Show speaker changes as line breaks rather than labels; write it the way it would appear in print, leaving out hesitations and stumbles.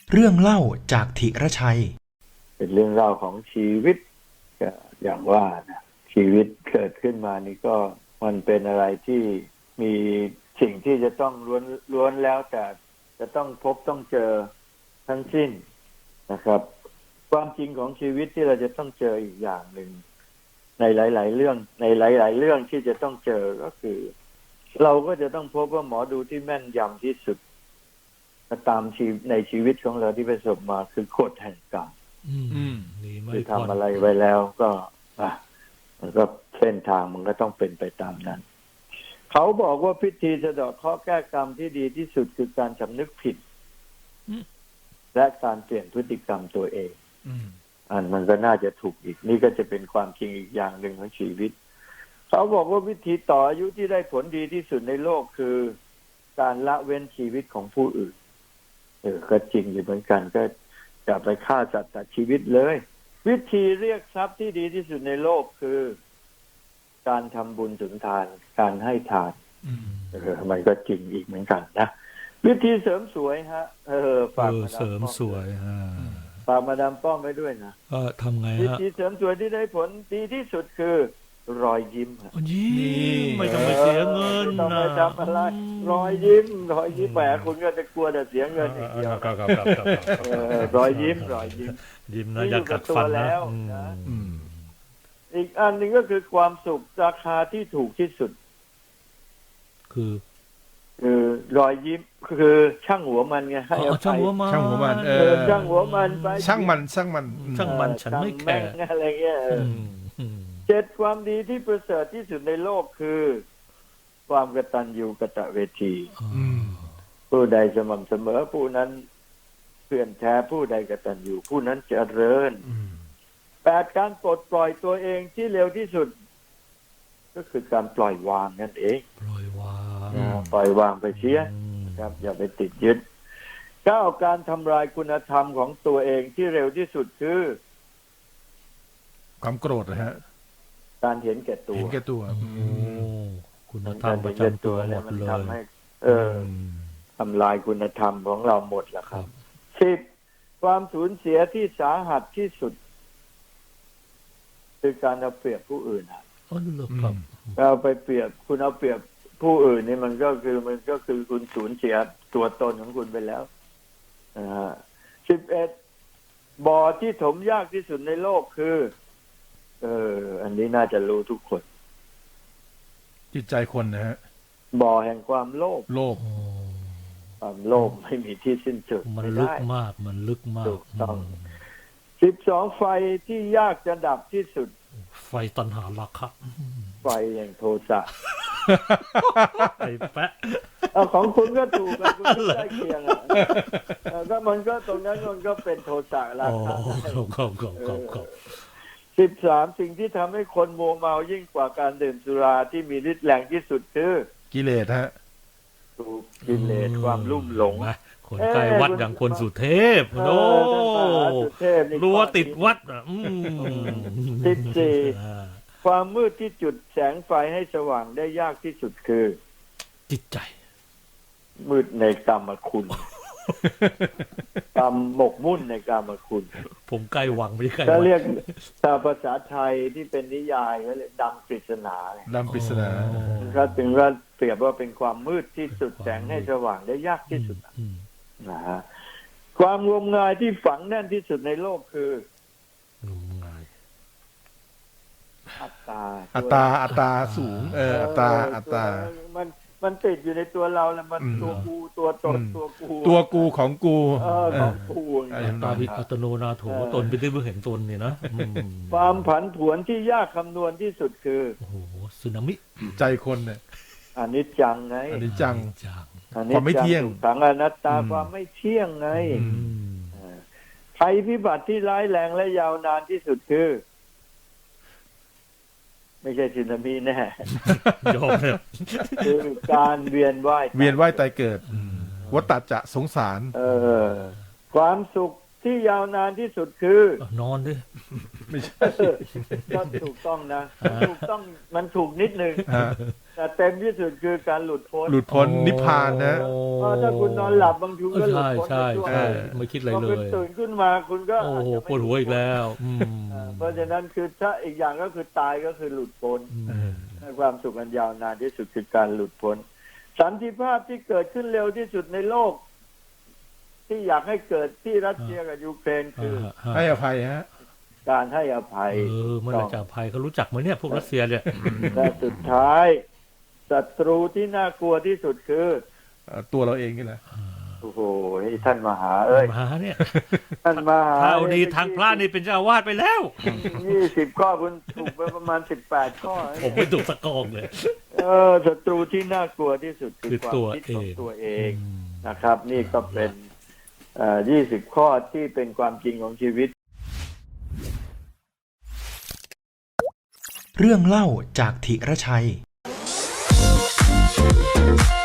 เรื่องเล่าจากธีรชัย
เป็นเรื่องราวของชีวิตก็อย่างว่านะชีวิตเกิดขึ้นมานี่ก็มันเป็นอะไรที่มีสิ่งที่จะต้องล้วนแล้วแต่จะต้องพบต้องเจอทั้งสิ้นนะครับความจริงของชีวิตที่เราจะต้องเจออีกอย่างหนึ่งในหลายๆเรื่องในหลายๆเรื่องที่จะต้องเจอก็คือเราก็จะต้องพบว่าหมอดูที่แม่นยำที่สุดตามในชีวิตของเราที่ประสบมาคือกฎแห่งกรรมคือทำอะไรไว้แล้วก็มันก็เส้นทางมันก็ต้องเป็นไปตามนั้นเขาบอกว่าพิธีสะเดาะเคราะห์แก้กรรมที่ดีที่สุดคือการสำนึกผิดและการเปลี่ยนพฤติกรรมตัวเองมันก็น่าจะถูกอีกนี่ก็จะเป็นความจริงอีกอย่างหนึ่งของชีวิตเขาบอกว่าวิธีต่ออายุที่ได้ผลดีที่สุดในโลกคือการละเว้นชีวิตของผู้อื่นก็จริงอยู่เหมือนกันก็อย่าไปฆ่าสัตว์ตัดชีวิตเลยวิธีเรียกทรัพย์ที่ดีที่สุดในโลกคือการทำบุญสุนทานการให้ทานมันก็จริงอีกเหมือนกันนะวิธีเสริมสวยฮะฝากมาดามเสริมสวยฝากมาดามป้อมไว้ด้วยนะ
ทำไงฮะ
วิธีเสริมสวยที่ได้ผลดีที่สุดคือรอยยิ้ม
ไม่ต้องไปเสียเงิน
ต้องไปทำอะไรรอยยิ้มแหมคุณก็จะกลัวแต่เสียเงินอย่างเดียวรอยยิ้ม
ยิ้มนะอย่ากัดฟันนะ
อีกอันหนึ่งก็คือความสุขราคาที่ถูกที่สุด
คือ
รอยยิ้มคือช่างหัวมันไงให้
ช่างหัวมัน
ช่างหัวมันไป
ช่างมันฉันไม่แคร์
อะไรเงี้ย7ความดีที่ประเสริฐที่สุดในโลกคือความกตัญญูกตเวทีผู้ใดสม่ำเสมอผู้นั้นเพื่อนแท้ผู้ใดกตัญญูผู้นั้นเจริญ8การปลดปล่อยตัวเองที่เร็วที่สุดก็คือการปล่อยวางนั่นเอง
ปล่อยว
างไปเสียครับอย่าไปติดยึด9การทำลายคุณธรรมของตัวเองที่เร็วที่สุดคือ
ความโกรธนะฮะ
การเห็นแก่ตัว
คุณธรรมประจำตัวหมดเลย
ทำลายคุณธรรมของเราหมดแล้วครับ10ความสูญเสียที่สาหัสที่สุดคือการเอาเปรียบผู้อื่นเอาไปเปรียบคุณเอาเปรียบผู้อื่นนี่มันก็คือคุณสูญเสียตัวตนของคุณไปแล้ว11บ่อที่ถมยากที่สุดในโลกคืออันนี้น่าจะรู้ทุกคน
จิตใจคนนะฮะ
บ่อแห่งความโลภความโลภไม่มีที่สิ้นสุด
มันลึกมาก
ถูกต้อง12ไฟที่ยากจะดับที่สุด
ไฟตัณหาราคะ
ไฟแห่งโทสะ
ไอ้แปะ
ของคุณก็ถูกนะคุณก็ใกล้เคียงก็มันก็ตรงนั้นมันก็เป็นโทสะราคะ13สิ่งที่ทำให้คนมัวเมายิ่งกว่าการดื่มสุราที่มีฤทธิ์แรงที่สุดคือ
กิเลสฮะ
ถูกกิเลสความลุ่มหลง
คนใกล้วัดอย่างคนสุเทพโอ้รัวติดวัด
14ความมืดที่จุดแสงไฟให้สว่างได้ยากที่สุดคือ
จิตใจ
มืดในกรรมคุณกรรมหมกมุ่นในกรรมคุณ
ผมใกล้หวังไม่ใกล้
ถ้าเรียกภาษาไทยที่เป็นนิยายก็เรียกดำปริศนาก็ถึงว่าเปรียบว่าเป็นความมืดที่จุดแสงให้สว่างได้ยากที่สุดนะฮะความงมงายที่ฝังแน่นที่สุดในโลกคืองมงายอั
ตตาสูงอัตตา
มันติดอยู่ในตัวเราแล้วมันตัวกูตัวตน
ตัวกูของกู
ของกู
ตาวิอัตโนนาโถตนเป็นที่เพื่อเห็นตนเนี่ยนะ
ความผันผวนที่ยากคำนวณที่สุดคือ
โอ้โหสึนามิ
ใจคนเนี่ย
อนิจจังไง
อนิจจังความไม่เที่ยง
ขังอนัตตาความไม่เที่ยงไงภัยพิบัติที่ร้ายแรงและยาวนานที่สุดคือไม่ใช่สึนามิแน่
ยอมเลย
คือการเวียนว่าย
ตายเกิดวัฏฏะจะสงสาร
ความสุขที่ยาวนานที่สุดคื
อนอนดิ
ไม่ใช่
ก็ถูกต้องนะถูกต้องมันถูกนิดนึงแต่เต็มที่สุดคือการหลุดพ้น
นิพพานนะ
เพราะถ้าคุณนอนหลับบางทีก็หลุด
ใช่
พ้น
ใช่
ไปช่วง
ใช่
หนึ่ง
ไม่คิดอะไร
พอ
เล
คุณ
ย
ตื่นขึ้นมาคุณก็
โอ้โห
อาจจะ
ปวดหัวอีกแล้ว
เพราะฉะนั้นคือถ้าอีกอย่างก็คือตายก็คือหลุดพ้น ความสุขอันยาวนานที่สุดคือการหลุดพ้นสันติภาพที่เกิดขึ้นเร็วที่สุดในโลก ที่อยากให้เกิดที่รัสเซียกับยูเครนคือ
ให้อภัยฮะ
การให้อภัย
เมื่อไหรจะอภัยเขารู้จักไหมเนี่ยพวกรัสเซียเนี่ย
และสุดท้ายศัตรูที่น่ากลัวที่สุดคือ
ตัวเราเองนี่แหละ
โอ้โหท่านมหาเอ้ย
มาเนี่ย
ท่านมหา
ถ้าเอาดีทางพระนี่เป็นเจ้าอาวาสไปแล้ว
20 ข้อคุณถูกไปประมาณ18 ข้อ
ผมไม่ถูกสะกองเลย
ศัตรูที่น่ากลัวที่สุดคือความคิดของตัวเองนะครับ นี่ก็เป็น20 ข้อที่เป็นความจริงของชีวิต
เรื่องเล่าจากธิรชัย